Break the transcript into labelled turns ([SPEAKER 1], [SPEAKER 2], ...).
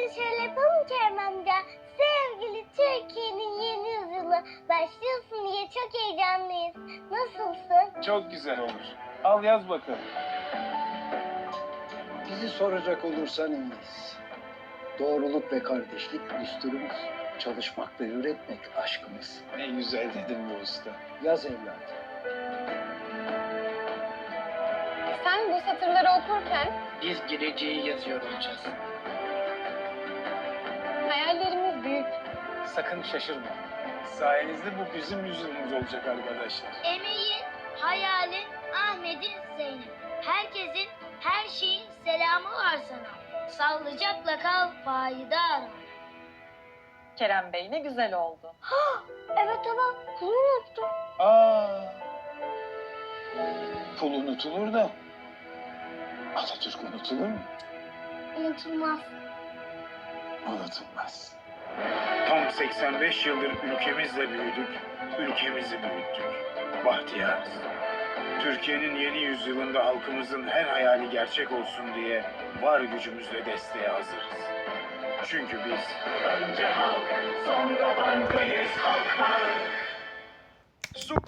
[SPEAKER 1] Hadi şöyle yapalım Kerem amca. Sevgili Türkiye'nin yeni yüzyılı başlıyorsun diye çok heyecanlıyız. Nasılsın?
[SPEAKER 2] Çok güzel olur. Al yaz bakalım.
[SPEAKER 3] Bizi soracak olursan iyiyiz. Doğruluk ve kardeşlik düsturumuz. Çalışmak ve üretmek aşkımız.
[SPEAKER 2] Ne güzel dedin bu usta.
[SPEAKER 3] Yaz evladım.
[SPEAKER 4] Sen bu satırları okurken
[SPEAKER 5] Biz geleceği yazıyor olacağız.
[SPEAKER 4] hayallerimiz büyük.
[SPEAKER 2] Sakın şaşırma. Sayenizde bu bizim yüzyılımız olacak arkadaşlar.
[SPEAKER 1] Emeğin, hayalin, Ahmet'in, Zeynep. Herkesin, her şeyin selamı var sana. Sağlıcakla kal, fayda ara.
[SPEAKER 6] Kerem Bey ne güzel oldu.
[SPEAKER 1] Evet ama bunu unuttum.
[SPEAKER 2] Pul unutulur da Atatürk unutulur mu?
[SPEAKER 1] Unutulmaz.
[SPEAKER 2] Unutulmaz. Tam 85 yıldır ülkemizle büyüdük, ülkemizi büyüttük. Bahtiyarız. Türkiye'nin yeni yüzyılında halkımızın her hayali gerçek olsun diye var gücümüzle desteğe hazırız. Çünkü biz önce halk, sonra bankayız halklar.